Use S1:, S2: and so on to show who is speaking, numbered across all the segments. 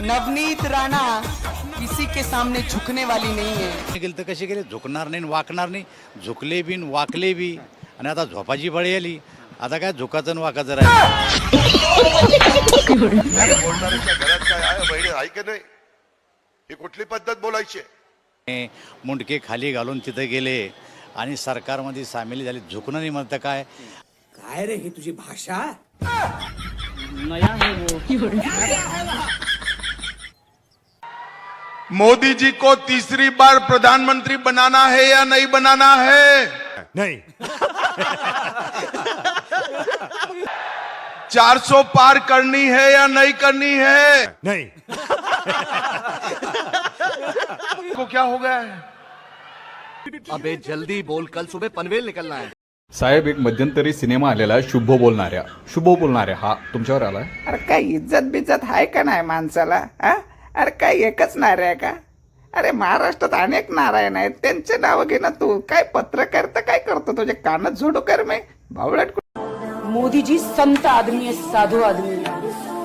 S1: नवनीत राणा किसी के सामने झुकने वाली नहीं है.
S2: गेलं तर कसे गेले, झुकणार नाही वाकणार नाही, झुकले बी वाकले बी. आणि आता झोपाची बळी आली, आता काय झुकाचं आणि वाकाचं राहिलं.
S3: बोलणाऱ्याच्या घरात काय आहे बहिणी आहे की नाही, ही कुठली पद्धत बोलायची आहे?
S2: मुंडके खाली घालून तिथे गेले आणि सरकारमध्ये सामील झाले. झुकणं नाही म्हणतं काय
S4: काय रे ही तुझी भाषा?
S3: मोदी जी को तीसरी बार प्रधानमंत्री बनाना है या नहीं बनाना है?
S5: नहीं.
S3: 400 पार करनी है या नहीं करनी है?
S5: नहीं.
S3: को क्या हो गया है?
S6: अबे जल्दी बोल, कल सुबह पनवेल निकलना है.
S7: साहेब, एक मध्यंतरी सिनेमा आलेला आहे शुभ बोलणाऱ्या हा तुमच्यावर आलाय.
S8: अरे काय इज्जत बिज्जत आहे का नाही माणसाला? अरे काय एकच नारे आहे का? अरे महाराष्ट्रात अनेक नारायण आहेत, त्यांचे नाव घे ना तू. काय पत्रकार तर काय करतो, तुझे कानात झोडू कर मी भावळट.
S9: मोदी जी संत आदमी है, साधु आदमी है.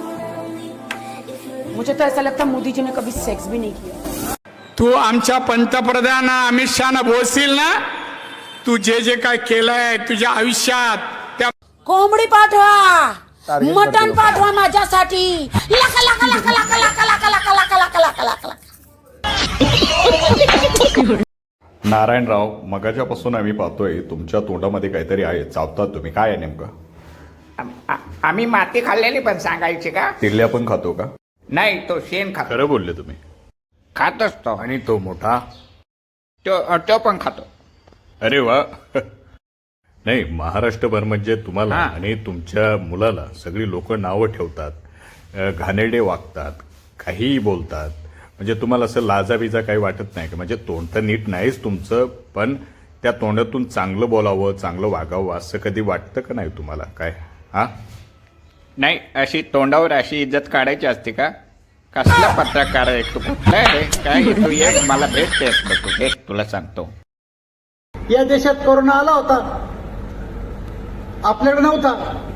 S9: मुझे तो ऐसा लगता है मोदी जी ने कभी सेक्स भी नहीं किया.
S10: तू आमच्या पंतप्रधान अमित शहाना बोलशील ना, तू जे जे काय केलंय तुझ्या आयुष्यात, त्या
S9: कोंबडी पाठवा, मटण पाठवा माझ्यासाठी. लाका लाका लाका लाका लाका लाका लाका लाका लाका लाका लाका लाका.
S7: नारायणराव, मगाच्यापासून आम्ही पाहतोय तुमच्या तोंडामध्ये काहीतरी आहे, चावतात तुम्ही. काय आहे नेमकं?
S8: आम्ही माती खाल्लेली पण सांगायची का?
S7: तिरल्या पण खातो का?
S8: नाही, तो शेण खातो.
S7: खरं बोलले तुम्ही.
S8: खातोच तो.
S7: आणि तो मोठा
S8: तो पण खातो.
S7: अरे वा. नाही, महाराष्ट्रभर म्हणजे तुम्हाला आणि तुमच्या मुलाला सगळी लोक नावं ठेवतात, घाणेरडे वागतात, काहीही बोलतात. म्हणजे तुम्हाला असं लाजाबिजा काही वाटत नाही का? म्हणजे तोंड तर नीट नाहीच तुमचं, पण त्या तोंडातून चांगलं बोलावं, चांगलं वागावं असं कधी वाटतं का नाही तुम्हाला? काय
S8: नाही, अशी तोंडावर अशी इज्जत काढायची असते का? कसला पत्रकार आहे तू? कुठला आहे काय? तू एक मला भेटतेस का तू? एक तुला सांगतो,
S4: या देशात कोरोना आला होता, आपल्याकडे नव्हता.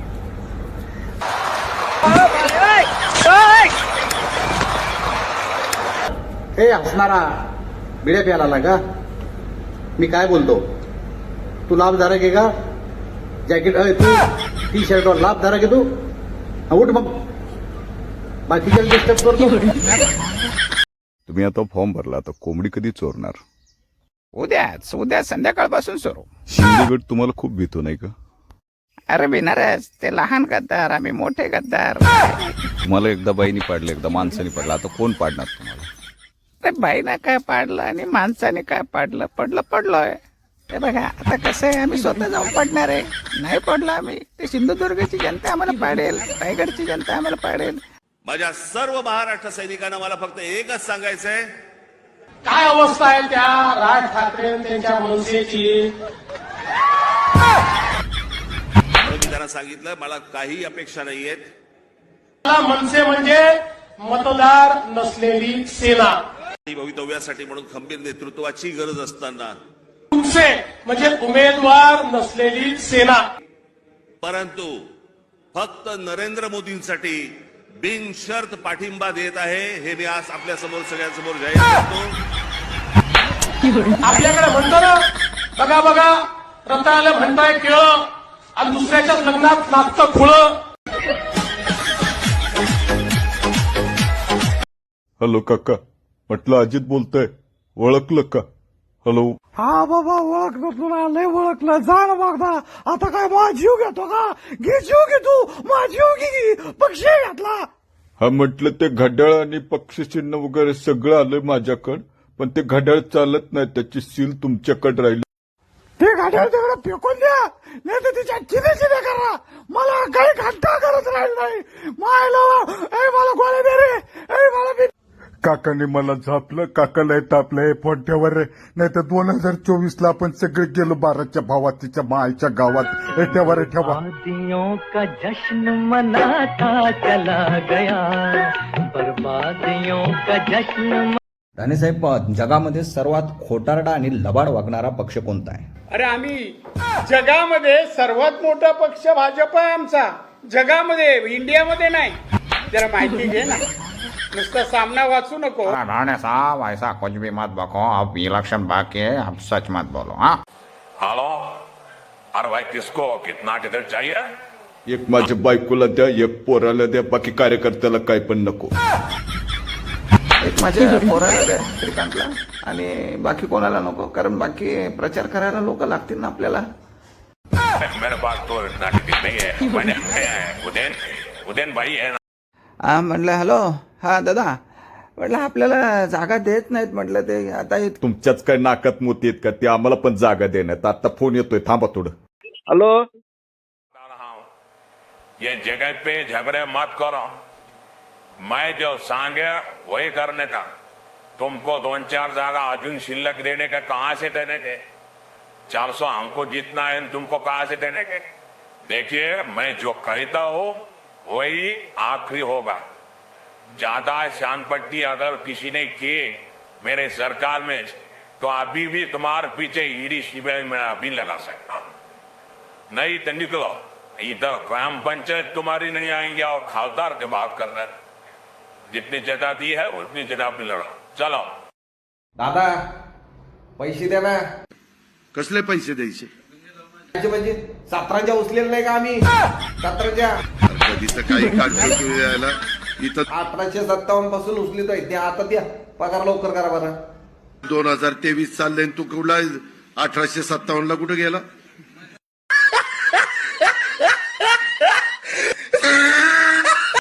S4: हे हसणारा बिड्या प्याला का? मी काय बोलतो, तू लाभधारक आहे का? जॅकेट तू टी शर्टवर लाभधारक आहे तू? उठ मग, बाकीच्या डिस्टर्ब करतो.
S7: तुम्ही आता फॉर्म भरला, आता कोंबडी कधी चोरणार?
S8: उद्या संध्याकाळपासून सुरू.
S7: शिंदेगड तुम्हाला खूप भीतो नाही का?
S8: अरे बिनारस, ते लहान गद्दार, आम्ही मोठे गद्दार.
S7: तुम्हाला एकदा बाईनी पाडलं, एकदा माणसाने पाडलं, आता कोण पाडणार तुम्हाला?
S8: अरे बाईनं काय पाडलं आणि माणसाने काय पाडलं? पडलोय. ते बघा आता कसं आहे, आम्ही स्वतः जाऊन पडणार आहे. नाही पडलो आम्ही, ते सिंधुदुर्गची जनता आम्हाला पाडेल, रायगडची जनता आम्हाला पाडेल.
S3: माझ्या सर्व महाराष्ट्र सैनिकांना मला फक्त एकच सांगायचंय,
S4: काय अवस्था आहे त्या राज ठाकरे त्यांच्या मनसेची?
S3: मी त्यांना सांगितलं मला काही अपेक्षा नाहीयेत.
S4: मनसे म्हणजे मतदार नसलेली सेना.
S3: भवितव्यासाठी म्हणून खंबीर नेतृत्वाची गरज असताना
S4: तुमचे म्हणजे उमेदवार नसलेली सेना.
S3: परंतु फक्त नरेंद्र मोदींसाठी बिनशर्त पाठिंबा देत आहे, हे मी आज आपल्या समोर सगळ्यांसमोर जाहीर करतो.
S4: आपल्याकडे म्हणतो ना, बघा रताळ्याला म्हणताय केळं आणि दुसऱ्याच्या लग्नात नाचतं खुळं.
S7: हॅलो काका, म्हटलं अजित बोलतोय, ओळखलं का? हॅलो.
S5: हा बाबा, ओळखलं तुला, लय ओळखलं. जा ना बघता. आता काय माझा जीव घेतो का? घे जीव घे तू, माझा जीव घे. पक्षी घातला.
S7: हा, म्हटलं ते घड्याळ आणि पक्षचिन्ह वगैरे सगळं आलंय माझ्याकडं, पण ते घड्याळ चालत नाही, त्याची सील तुमच्याकडे राहिली.
S5: ते घड्याळ तिकडे फेकून द्या, नाही तर तिच्या चिने करा. मला काही घंटा करत राहील नाही. मला गोळ्या दे रे. मला काकाने मला झापलं, काकाला तापलंय पोट्यावर. नाही तर 2024 आपण सगळे गेलो 12च्या भावात, तिच्या मायच्या गावात. एठ्यावर ठेवा.
S11: शादियों का जश्न मनाता चला गया, बर्बादियों का जश्न.
S12: राणेसाहेब, जगामध्ये सर्वात खोटारडा आणि लबाड वागणारा पक्ष कोणता आहे?
S10: अरे आम्ही जगामध्ये सर्वात मोठा पक्ष भाजप आहे आमचा. जगामध्ये, इंडियामध्ये नाही. जरा माहिती घे ना. नुसतं सामना वाचू नको.
S8: राणे साहब ऐसा कुछ भी मत बको, अब इलेक्शन बाकी है, अब सच मत बोलो. हाँ
S3: हेलो, अरे भाई किसको कितना टिकट चाहिए?
S5: एक माझ्या बायकोला द्या, एक पोराला द्या, बाकी कार्यकर्त्याला काय पण नको.
S8: एक माझ्या पोराला द्या, श्रीकांतला, आणि बाकी कोणाला नको, कारण बाकी प्रचार करायला लोक लागतील ना आपल्याला.
S3: मेरे पास तो इतना टिकट नहीं है. मैंने उदयन भाई है ना.
S8: हा म्हटलं हॅलो, हा दादा, म्हटलं आपल्याला जागा देत नाहीत, म्हटलं ते आता
S5: तुमच्याच काय नाकात मोती आहेत का? ते आम्हाला पण जागा देण्यात. आता फोन येतोय, थांबा थोडं.
S10: हॅलो,
S3: ये जगह पे झगड़े मत करो. मैं जो सांगे वही करने का. तुमको 2-4 जागा अजून शिल्लक देने का कहां से देने के? 400 हमको जीतना है, तुमको कहां से देने के? देखिए, मैं जो कहता हूं वही आखिरी होगा. ज्यादा शानपट्टी अगर किसी ने की मेरे सरकार में तो अभी भी तुम्हारे पीछे ईडी सीबीआई में अभी लगा सकता. नहीं तो निकलो. इधर ग्राम पंचायत तुम्हारी नहीं आएंगे और खासदार के बात कर रहे. जितनी जगह दी है उतनी जगह पे लड़ो. चलो
S4: दादा पैसे द्या ना.
S5: कसले पैसे द्यायचे?
S4: म्हणजे 17च्या उचलेलं नाही का आम्ही? 17च्या
S5: कधीच काही काढतो यायला इथं
S4: 1857 पासून उचलितोय. द्या आता, द्या पगार लवकर करा बरं.
S5: 2023 चाललंय, तू कुठला 1857 ला कुठे गेला?